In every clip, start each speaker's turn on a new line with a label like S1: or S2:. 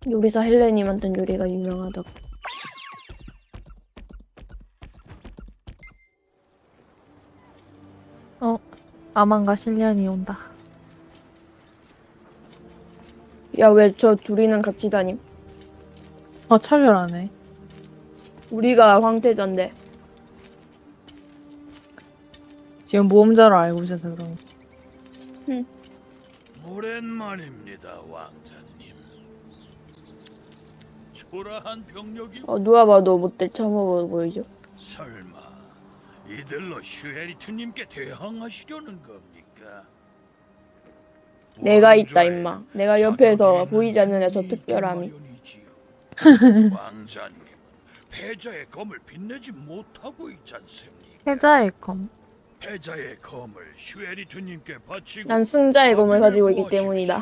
S1: 요리사 헬렌이 만든 요리가 유명하다고.
S2: 아만과 실리안이 온다.
S1: 야, 왜 저 둘이는 같이 다님?
S2: 차별하네.
S1: 우리가 황태자인데.
S2: 지금 모험자로 알고 있어서 그런 거.
S3: 오랜만입니다, 왕자님. 초라한 병력이
S1: 누가 봐도 못될 참어 보이죠?
S3: 설마 이들로 슈헤리트님께 대항하시려는 겁니까?
S1: 내가 있다,
S3: 왕좌에
S1: 임마. 내가
S3: 자격이
S1: 옆에서
S3: 있는
S1: 보이지 않는 애저
S3: 주인이 있기
S1: 특별함이.
S3: 마련이지요. 왕자님은 패자의 검을 빛내지 못하고 있지 않습니까?
S2: 패자의 검.
S3: 패자의 검을 슈헤리트님께 바치고
S1: 난 승자의 검을
S3: 자비를
S1: 가지고 있기
S3: 구하십시오.
S1: 때문이다.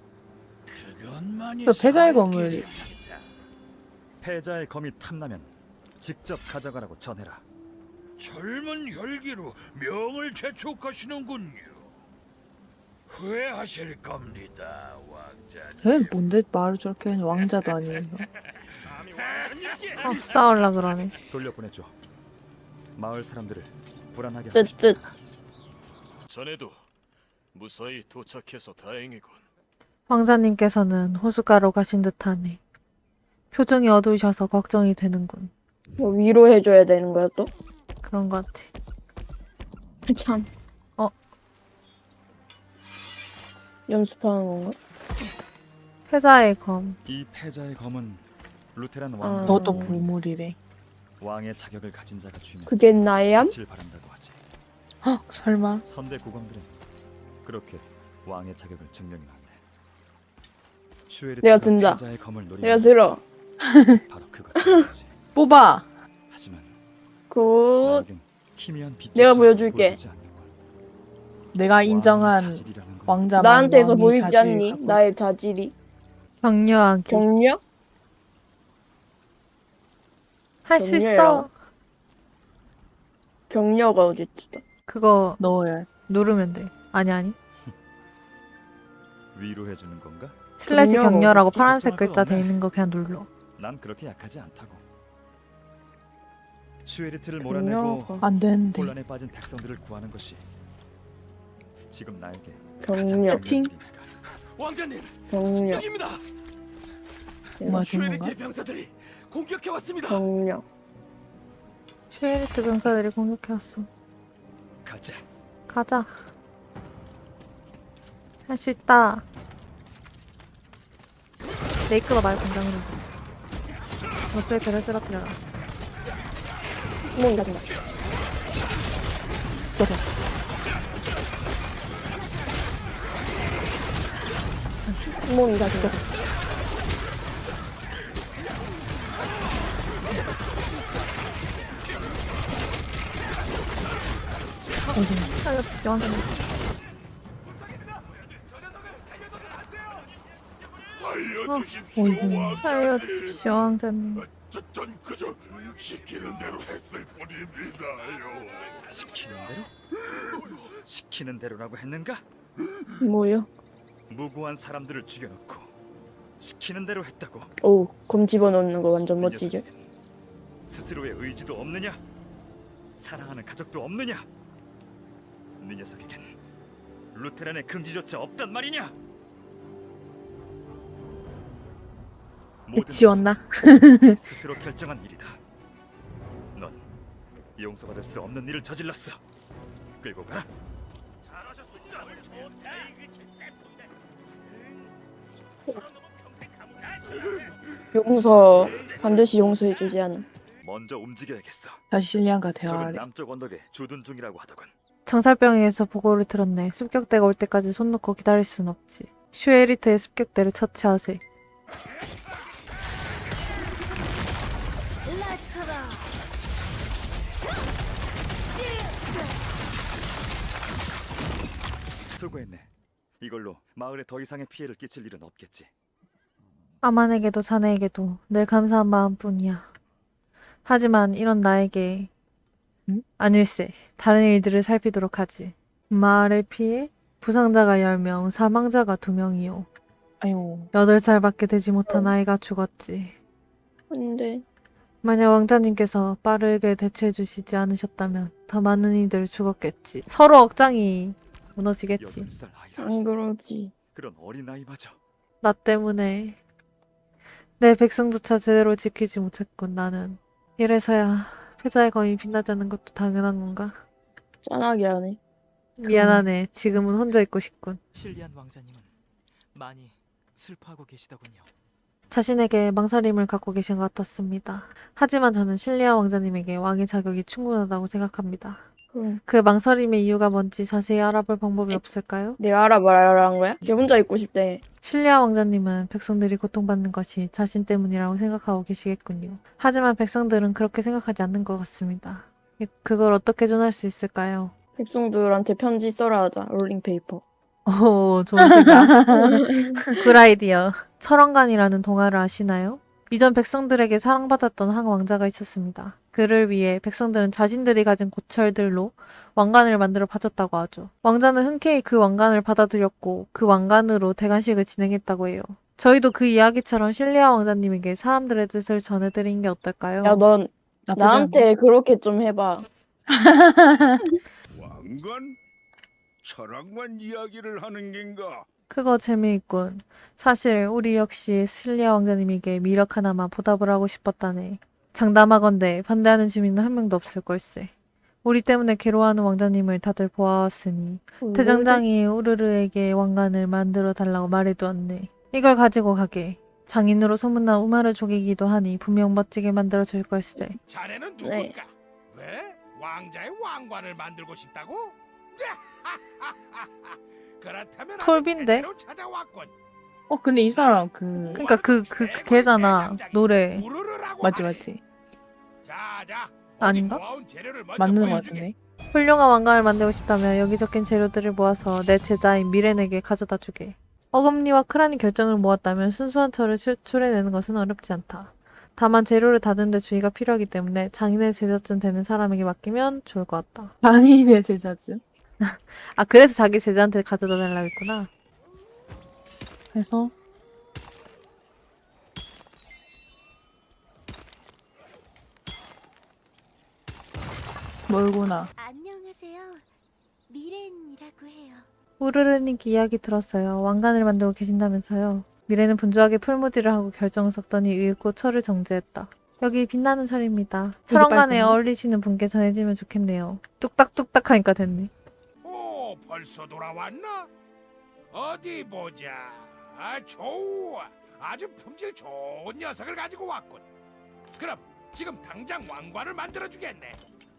S3: 그것만이
S2: 그 패자의 검을-
S3: 살길입니다.
S4: 패자의 검이 탐나면 직접 가져가라고 전해라.
S3: 젊은 혈기로 명을 재촉하시는군요. 후회하실 겁니다, 왕자님.
S5: 걔는 뭔데 말을 저렇게 하냐. 왕자도 아니에요.
S2: 싸울라 그러네.
S4: 돌려보내줘. 마을 사람들을 불안하게 하고
S1: 쯧쯧.
S4: 싶다.
S6: 자네도 무사히 도착해서 다행이군.
S2: 왕자님께서는 호숫가로 가신 듯하네. 표정이 어두우셔서 걱정이 되는군.
S1: 뭐 위로해줘야 되는 거야 또?
S2: 그런 것 같아.
S1: 참.
S2: 어.
S1: 연습하는 건가?
S2: 패자의 검.
S4: 이 패자의 검은 루테란
S1: 어.
S4: 왕
S5: 너도 보물이래.
S4: 왕의 자격을 가진 자가 쥐면
S1: 그게 나야?
S4: 빛을 바란다고 하지.
S5: 헉, 설마.
S4: 선대 국왕들은 그렇게 왕의 자격을 증명해놨네.
S1: 내가
S4: 슈에르트가
S1: 든다.
S4: 패자의 검을
S1: 내가
S4: 노리면
S1: 들어.
S4: 바로 그거지.
S5: 뽑아.
S4: 하지만
S1: 굿.
S4: 나에겐 희미한 빛
S1: 내가 보여줄게.
S5: 내가 인정한 왕자만
S1: 나한테서
S5: 왕이
S1: 보이지
S5: 자질
S1: 않니?
S5: 갖고
S1: 나의 자질이.
S2: 격려하기.
S1: 격려?
S2: 할 수 있어.
S1: 격려야. 격려가 어딨어?
S2: 그거
S5: 넣어야.
S2: 누르면 돼. 아니.
S4: 위로해주는 건가?
S2: 슬래시
S1: 격려가
S2: 격려라고
S4: 어딨지?
S2: 파란색
S4: 걱정할
S2: 글자
S4: 건
S2: 돼
S4: 없네.
S2: 있는 거 그냥 눌러.
S4: 난 그렇게 약하지 않다고. 슈에르트를 몰아내고
S1: 격려가.
S5: 안 되는데.
S4: 혼란에 빠진 백성들을 구하는 것이 지금 나에게
S1: 격려.
S4: 가장 중요한
S5: 채팅.
S4: 일이니까.
S3: 왕자님,
S1: 격려.
S3: 여기입니다.
S5: 뭐야, 된 건가?
S3: 슈헤리트의 병사들이 공격해 왔습니다.
S1: 격려.
S2: 쉐리트 병사들이 공격해왔어.
S4: 가자.
S2: 가자. 할 수 있다. 메이크가 말 공장으로. 로스의 배를 쓰러뜨려라.
S1: 몸이 가진다. 몸이 가진다.
S2: 살려주세요, 왕자님.
S3: 살려주십시오,
S5: 어이구.
S3: 왕.
S2: 살려주십시오, 왕자님.
S3: 전 그저 시키는 대로 했을 뿐입니다요.
S4: 시키는 대로? 시키는 대로라고 했는가?
S1: 뭐요?
S4: 무고한 사람들을 죽여놓고 시키는 대로 했다고.
S1: 오, 검 집어넣는 거 완전
S4: 이
S1: 멋지죠?
S4: 녀석에겐 스스로의 의지도 없느냐? 사랑하는 가족도 없느냐? 네 녀석에겐 루테란의 금지조차 없단 말이냐? 모든
S5: 지웠나?
S4: 것은 스스로 결정한 일이다. 넌 용서받을 수 없는 일을 저질렀어. 끌고 가라.
S3: 잘하셨습니다.
S1: 용서 반드시 용서해주지 않아.
S4: 먼저 움직여야겠어.
S5: 다시 실리안과
S4: 적은
S5: 대화하래.
S4: 남쪽 언덕에 주둔 중이라고 하더군.
S2: 정살병에서 보고를 들었네. 습격대가 올 때까지 손 놓고 기다릴 순 없지. 슈에리트의 습격대를 처치하세.
S4: 수고했네. 이걸로 마을에 더 이상의 피해를 끼칠 일은 없겠지.
S2: 아만에게도 자네에게도 늘 감사한 마음뿐이야. 하지만 이런 나에게 아닐세. 다른 일들을 살피도록 하지. 마을의 피해? 부상자가 10명, 사망자가 2명이요.
S5: 아유
S2: 8살밖에 되지 못한 아이가 죽었지.
S1: 근데
S2: 만약 왕자님께서 빠르게 대처해 주시지 않으셨다면 더 많은 이들 죽었겠지. 서로 억장이 무너지겠지.
S4: 8살 아이라
S1: 안 그러지.
S4: 그런 어린 아이마저
S2: 나 때문에 내 백성조차 제대로 지키지 못했군. 나는 이래서야 패자의 검이 빛나지 않는 것도 당연한 건가?
S1: 짠하게 하네.
S2: 미안하네. 지금은 혼자 있고 싶군.
S7: 실리안 왕자님은 많이 슬퍼하고 계시더군요.
S2: 자신에게 망설임을 갖고 계신 것 같았습니다. 하지만 저는 실리아 왕자님에게 왕의 자격이 충분하다고 생각합니다.
S1: 그럼
S2: 그 망설임의 이유가 뭔지 자세히 알아볼 방법이 없을까요?
S1: 내가 알아봐라는 거야? 걔 혼자 있고 싶대.
S2: 실리아 왕자님은 백성들이 고통받는 것이 자신 때문이라고 생각하고 계시겠군요. 하지만 백성들은 그렇게 생각하지 않는 것 같습니다. 그걸 어떻게 전할 수 있을까요?
S1: 백성들한테 편지 써라 하자. 롤링페이퍼.
S2: 오, 좋은 생각. 굿 아이디어. 철왕관이라는 동화를 아시나요? 이전 백성들에게 사랑받았던 한 왕자가 있었습니다. 그를 위해 백성들은 자신들이 가진 고철들로 왕관을 만들어 바쳤다고 하죠. 왕자는 흔쾌히 그 왕관을 받아들였고 그 왕관으로 대관식을 진행했다고 해요. 저희도 그 이야기처럼 실리아 왕자님에게 사람들의 뜻을 전해드린 게 어떨까요?
S1: 야, 넌
S5: 나쁘지 않네.
S1: 나한테 그렇게 좀 해봐.
S3: 왕관? 철학만 이야기를 하는 겐가?
S2: 그거 재미있군. 사실 우리 역시 실리아 왕자님에게 미력 하나만 보답을 하고 싶었다네. 장담하건대 반대하는 주민은 한 명도 없을 걸세. 우리 때문에 괴로워하는 왕자님을 다들 보아왔으니 대장장이 우르르에게 왕관을 만들어 달라고 말해두었네. 이걸 가지고 가게. 장인으로 소문난 우마르 족이기도 하니 분명 멋지게 만들어 줄 걸세.
S3: 자네는 누군가?
S1: 네.
S3: 왜? 왕자의 왕관을 만들고 싶다고? 그렇다면 아주
S2: 톨빈데?
S3: 제대로 찾아왔군.
S5: 근데 이 사람 그
S2: 그러니까 그 걔잖아. 노래.
S3: 우르르라고
S5: 맞지
S3: 하네.
S5: 맞지
S3: 자,
S2: 아닌가?
S3: 어디 모아온 재료를 먼저
S5: 맞는 것
S3: 보여주게.
S5: 같은데.
S2: 훌륭한 왕관을 만들고 싶다면 여기 적힌 재료들을 모아서 내 제자인 미렌에게 가져다 주게. 어금니와 크란이 결정을 모았다면 순수한 철을 추출해내는 것은 어렵지 않다. 다만 재료를 다듬는 데 주의가 필요하기 때문에 장인의 제자쯤 되는 사람에게 맡기면 좋을 것 같다.
S5: 장인의 제자죠.
S2: 아, 그래서 자기 제자한테 가져다 달라고 했구나.
S5: 그래서 멀구나.
S8: 안녕하세요. 미렌이라고 해요.
S2: 우르르님 이야기 들었어요. 왕관을 만들고 계신다면서요. 미래는 분주하게 풀무지를 하고 결정을 섞더니 읽고 철을 정제했다. 여기 빛나는 철입니다. 철왕관에
S5: 빨갛나?
S2: 어울리시는 분께 전해지면 좋겠네요. 뚝딱뚝딱 하니까 됐네.
S3: 오, 벌써 돌아왔나? 어디 보자. 좋아. 아주 품질 좋은 녀석을 가지고 왔군. 그럼 지금 당장 왕관을 만들어 주겠네.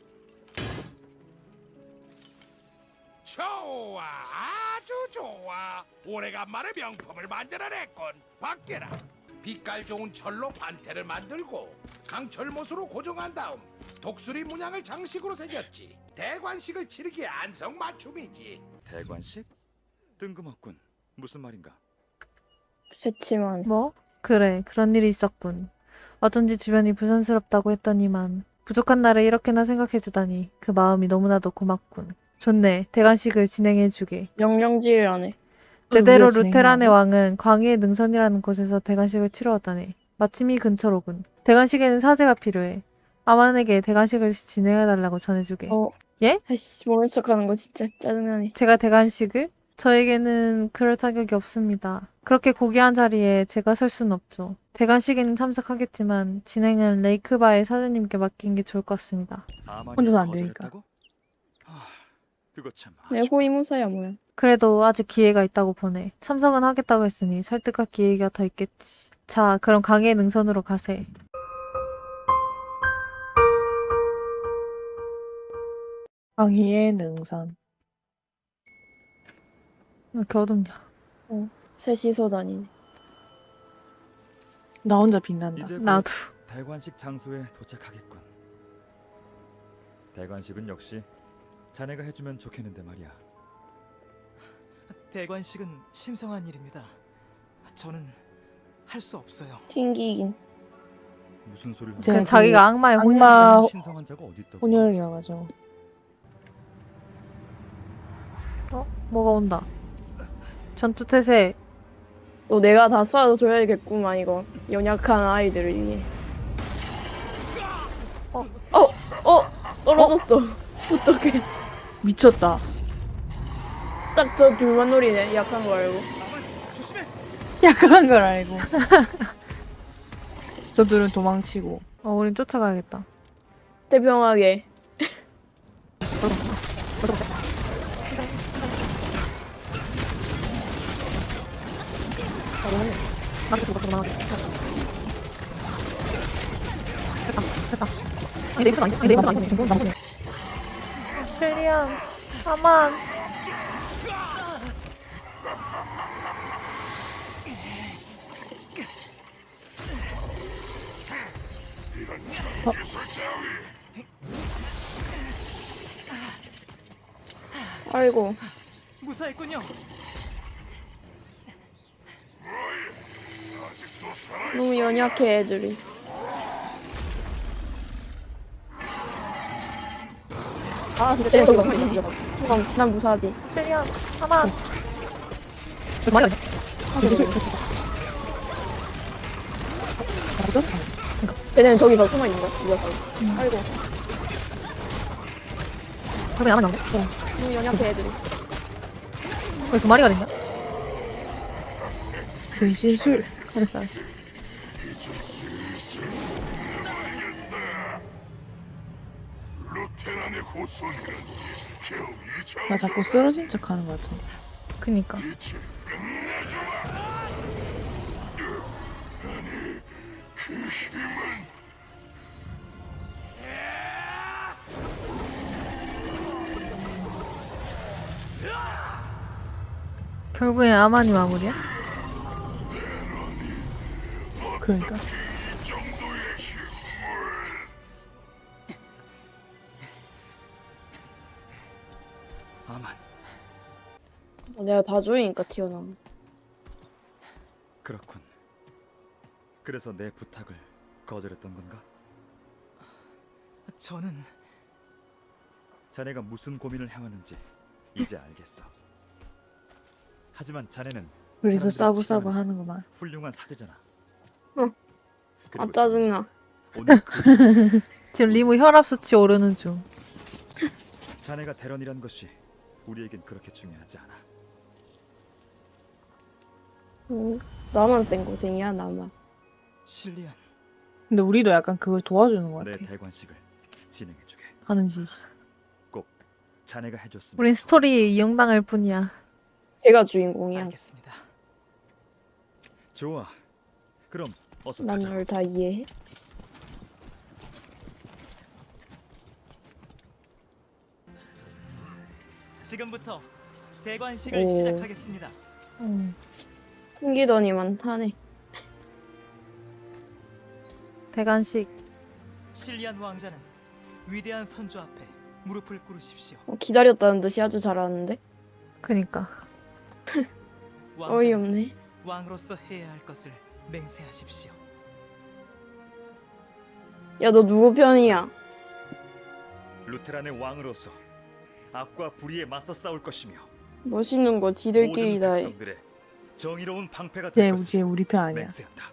S3: 좋아, 아주 좋아. 오래간만에 명품을 만들어냈군. 밖에라. 빛깔 좋은 철로 판테를 만들고 강철못으로 고정한 다음 독수리 문양을 장식으로 새겼지. 대관식을 치르기에 안성맞춤이지.
S4: 대관식? 뜬금없군. 무슨 말인가?
S1: 새침한.
S2: 뭐? 그래, 그런 일이 있었군. 어쩐지 주변이 부산스럽다고 했더니만 부족한 나를 이렇게나 생각해주다니 그 마음이 너무나도 고맙군. 좋네, 대관식을 진행해주게.
S1: 명령지를 안 해.
S2: 대대로
S5: 우리가
S2: 루테란의
S5: 진행하고.
S2: 왕은 광해의 능선이라는 곳에서 대관식을 치러왔다네. 마침 이 근처로군. 대관식에는 사제가 필요해. 아만에게 대관식을 진행해달라고 전해주게.
S1: 아이씨, 모른 척하는 거 진짜 짜증나네.
S2: 제가 대관식을? 저에게는 그럴 자격이 없습니다. 그렇게 고귀한 자리에 제가 설 수는 없죠. 대관식에는 참석하겠지만 진행은 레이크바의 사장님께 맡긴 게 좋을 것 같습니다.
S5: 혼자서 안 되니까.
S4: 거절했다고? 그거 참
S1: 왜
S4: 아쉽다.
S1: 호위무사야 뭐야.
S2: 그래도 아직 기회가 있다고 보네. 참석은 하겠다고 했으니 설득할 기회가 더 있겠지. 자, 그럼 강의 능선으로 가세.
S5: 광희의 능선.
S2: 왜 이렇게 어둡냐.
S1: 셋이서 다니네.
S5: 나 혼자 빛난다.
S4: 이제 곧
S2: 나도.
S4: 대관식 장소에 도착하겠군. 대관식은 역시 자네가 해주면 좋겠는데 말이야.
S7: 대관식은 신성한 일입니다. 저는 할 수 없어요.
S1: 튕기긴.
S4: 무슨 소리를
S5: 이제
S4: 하는
S2: 그 자기가 악마의
S5: 악마-
S2: 혼혈.
S4: 거야? 신성한 자가 어디 있다고?
S5: 혼혈이어가지고.
S2: 뭐가 온다. 전투 태세.
S1: 또 내가 다 쏴줘야겠구만 이거 연약한 아이들을 위해. 떨어졌어. 어떡해.
S5: 미쳤다.
S1: 딱 저 둘만 노리네. 약한 거 알고.
S5: 약한 걸 알고. 저들은 도망치고.
S2: 우린 쫓아가야겠다.
S1: 태평하게.
S2: 실리안, 아만.
S1: 아이고.
S7: 무사했군요.
S1: 너무 연약해 애들이. 아 진짜 쟤는 저기 봐. 난 무사하지.
S2: 실리안, 아만.
S1: 쟤는 저기서 숨어 있는 거야. 이 녀석. 아이고.
S2: 그게 아만 나오네.
S1: 너무 연약해 애들이.
S2: 왜 두 마리가 됐냐?
S5: 근신술.
S3: 루테란의 후손이란 겨우 이
S5: 나 자꾸 쓰러진 척 하는 것 같은데.
S2: 그니까. 결국엔 아만이 마무리야?
S5: 그러니까.
S4: 아만.
S1: 내가 다 주이니까 튀어나온.
S4: 그렇군. 그래서 내 부탁을 거절했던 건가?
S7: 저는
S4: 자네가 무슨 고민을 해왔는지 이제 알겠어. 하지만 자네는
S5: 그래서
S4: 사람들이
S5: 싸부싸부
S4: 치료하는
S5: 하는구만.
S4: 훌륭한 사제잖아.
S1: 아
S4: 그리고
S1: 짜증나.
S4: 오늘
S2: 지금 리무 혈압 수치 오르는 중.
S4: 자네가 대런이란 것이 우리에겐 그렇게 중요하지 않아.
S1: 나만 센 고생이야 나만.
S7: 실리안.
S5: 근데 우리도 약간 그걸 도와주는 것
S4: 내
S5: 같아.
S4: 대관식을 진행해주게.
S5: 하는 짓.
S4: 꼭 자네가 해줬으면.
S2: 우린 스토리에 이용당할 뿐이야.
S1: 제가 주인공이야.
S7: 알겠습니다.
S4: 좋아. 그럼 어서
S1: 난
S4: 가자.
S1: 널 다 이해해.
S7: 지금부터 대관식을
S1: 오.
S7: 시작하겠습니다.
S1: 숨기더니만 하네.
S2: 대관식.
S7: 실리안 왕자는 위대한 선조 앞에 무릎을 꿇으십시오.
S1: 기다렸다는 듯이 아주 잘하는데.
S2: 그니까.
S7: 왕자는
S1: 어이없네.
S7: 왕으로서 해야 할 것을 맹세하십시오.
S1: 야 너 누구 편이야?
S4: 루테란의 왕으로서 악과 불의에 맞서 싸울 것이며
S1: 멋있는 거
S4: 모든
S1: 지들끼리 다 해.
S4: 백성들의 정의로운 방패가
S5: 쟤
S4: 될 것을
S5: 우리 편 아니야.
S4: 맹세한다.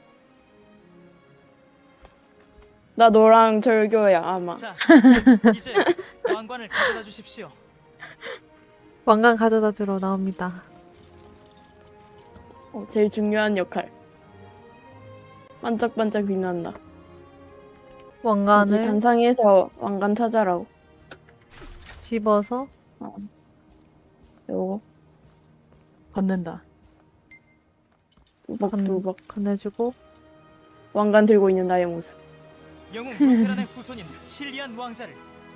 S1: 나 너랑 절교야 아마.
S7: 자, 이제 왕관을 가져다 주십시오.
S2: 왕관 가져다 주러 나옵니다.
S1: 제일 중요한 역할. 반짝반짝 빛난다. 이제
S2: 왕관을
S1: 단상에서 왕관 찾아라고.
S2: 집어서
S1: 요거
S5: 걷는다.
S1: 두벅두벅
S2: 건네주고.
S1: 왕관 들고 있는 나의 모습.
S7: 영웅 루테란의 후손인 실리안 왕자를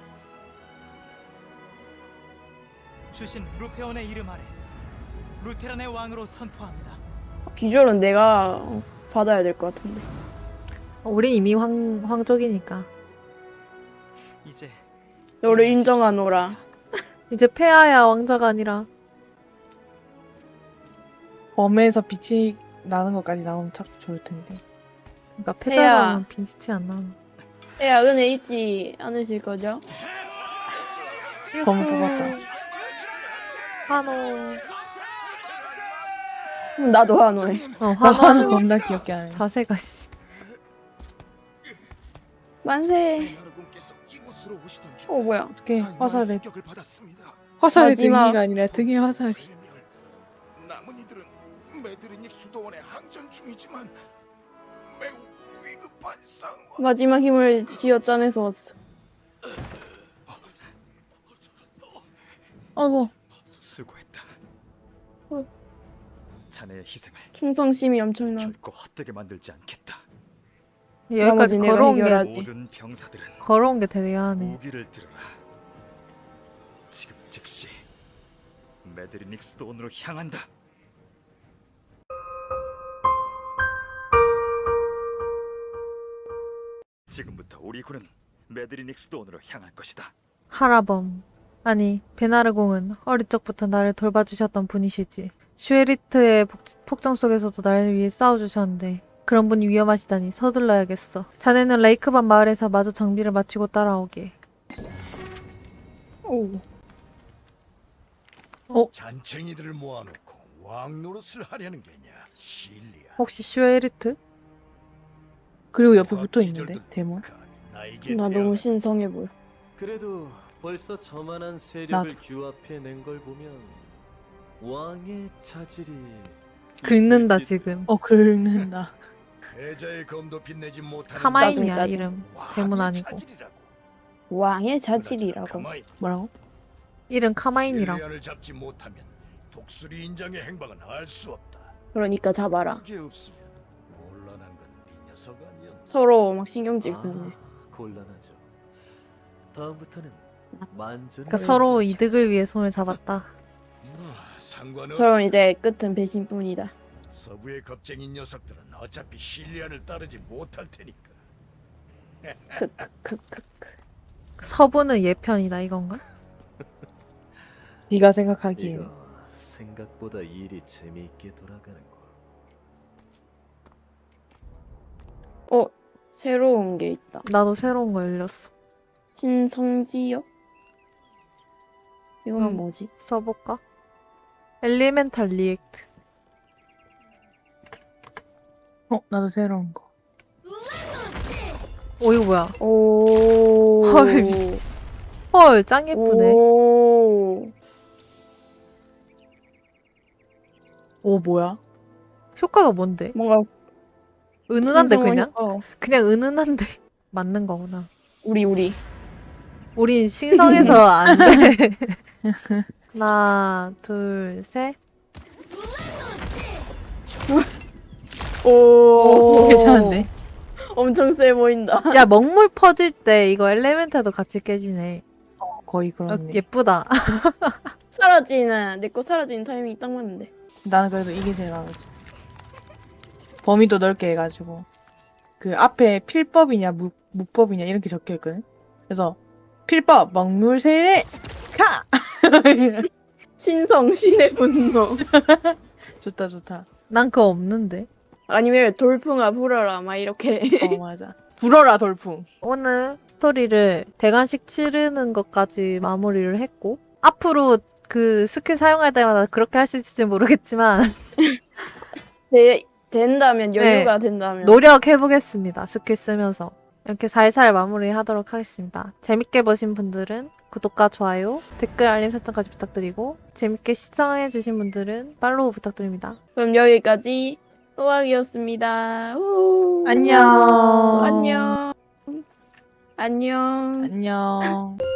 S7: 주신 루페온의 이름 아래 루테란의 왕으로 선포합니다.
S1: 비주얼은 내가 받아야 될 것 같은데.
S2: 우린 이미 황족이니까.
S7: 이제
S1: 너를 인정하노라.
S2: 이제 폐하야 왕자가 아니라.
S5: 범에서 빛이 나는 것까지 나오면 딱 좋을 텐데.
S2: 그러니까
S1: 폐하.
S2: 패자라면 빛이 안 나와.
S1: 야 은혜 잊지 않으실 거죠?
S5: 검을 뽑았다.
S2: 한호.
S1: 나도 한호해.
S2: 화나는
S5: 겁나 귀엽게 하네.
S2: 자세가 씨.
S1: 만세.
S3: 나르군께서 이곳으로 오시던 중
S1: 뭐야.
S5: 어떻게 화살에
S3: 습격을 받았습니다.
S5: 화살에
S1: 마지막.
S5: 등이가 아니라 등에 화살이.
S3: 남은 이들은 메드리닉 수도원에 항전 중이지만 매우 위급한 상황.
S1: 마지막 힘을 쥐어짜내서 왔어.
S5: 아이고.
S4: 수고했다.
S1: 어.
S4: 자네의 희생을
S1: 충성심이 엄청나.
S4: 결코 헛되게 만들지 않겠다.
S2: 여기까지
S1: 나머지 내가
S2: 걸어온 게
S1: 해결하지.
S4: 모든 병사들은
S2: 걸어온 게 대단하네.
S4: 무기를 들어라. 지금 즉시 메드리닉 수도원으로 향한다. 지금부터 우리 군은 메드리닉 수도원으로 향할 것이다.
S2: 하라범. 아니, 베나르공은 어릴 적부터 나를 돌봐주셨던 분이시지. 슈에리트의 폭정 속에서도 나를 위해 싸워주셨는데 그런 분이 위험하시다니 서둘러야겠어. 자네는 레이크반 마을에서 마저 정비를 마치고 따라오게.
S1: 오.
S3: 잔챙이들을 모아놓고 왕 노릇을 하려는 게냐, 실리아.
S2: 혹시 슈에리트?
S5: 그리고 옆에 붙어 있는데 대문.
S1: 나 너무 신성해 보여.
S6: 그래도 벌써 저만한 세력을
S5: 나도.
S6: 규합해낸 걸 보면 왕의 자질이
S2: 긁는다
S6: 있을지도.
S2: 지금.
S5: 긁는다.
S3: 패자의 검도 빛내지 못하는
S2: 카마인이야
S1: 짜증.
S2: 이름. 대문 아니고.
S3: 자질이라고.
S1: 왕의 자질이라고.
S3: 가마인,
S5: 뭐라고?
S2: 이름 카마인이라고.
S3: 실리안을 잡지 못하면 독수리 인장의 행방은 알 수 없다.
S1: 그러니까 잡아라.
S3: 그게 없으면 곤란한 건 네 녀석 아니었나?
S1: 서로 막 신경질 끄네.
S6: 곤란하죠. 다음부터는 만전을
S2: 그러니까 서로 이득을 위해 손을 잡았다.
S3: 상관은
S1: 저럼 이제 끝은 배신뿐이다.
S3: 서부의 겁쟁인 녀석들은 어차피 실리안을 따르지 못할 테니까.
S1: 크크크크크.
S2: 서부는 얘편이다 이건가?
S5: 네가 생각하기엔.
S6: 이거 생각보다 일이 재미있게 돌아가는 거.
S1: 새로운 게 있다.
S2: 나도 새로운 거 열렸어.
S1: 신성지역? 이건
S2: 그럼.
S1: 뭐지?
S2: 써볼까? 엘리멘탈 리액트.
S5: 나도 새로운 거.
S2: 오 이거 뭐야?
S1: 오.
S2: 헐 미친. 헐 짱 예쁘네.
S1: 오.
S5: 오 뭐야?
S2: 효과가 뭔데?
S1: 뭔가
S2: 은은한데
S1: 신성한
S2: 그냥?
S1: 효과.
S2: 그냥 은은한데 맞는 거구나.
S1: 우리.
S2: 우린 신성해서 안 돼. 하나, 둘, 셋.
S1: 오.
S5: 괜찮은데?
S1: 엄청 세 보인다.
S2: 야 먹물 퍼질 때 이거 엘레멘탈도 같이 깨지네.
S5: 거의
S2: 어,
S5: 그렇네.
S2: 예쁘다.
S1: 내 거 사라지는 타이밍이 딱 맞는데.
S5: 나는 그래도 이게 제일 마음에 들어. 범위도 넓게 해가지고 그 앞에 필법이냐 묵법이냐 이렇게 적혀 있거든. 그래서 필법 먹물 세례 가.
S1: 신성 신의 분노.
S5: 좋다 좋다.
S2: 난 그거 없는데.
S1: 아니면 돌풍아 불어라 막 이렇게.
S5: 맞아. 불어라 돌풍.
S2: 오늘 스토리를 대관식 치르는 것까지 마무리를 했고 앞으로 그 스킬 사용할 때마다 그렇게 할 수 있을지 모르겠지만
S1: 된다면 여유가 된다면.
S2: 노력해보겠습니다. 스킬 쓰면서. 이렇게 살살 마무리하도록 하겠습니다. 재밌게 보신 분들은 구독과 좋아요, 댓글 알림 설정까지 부탁드리고 재밌게 시청해주신 분들은 팔로우 부탁드립니다.
S1: 그럼 여기까지 또학이었습니다.
S5: 안녕.
S1: 안녕. 안녕.
S5: 안녕.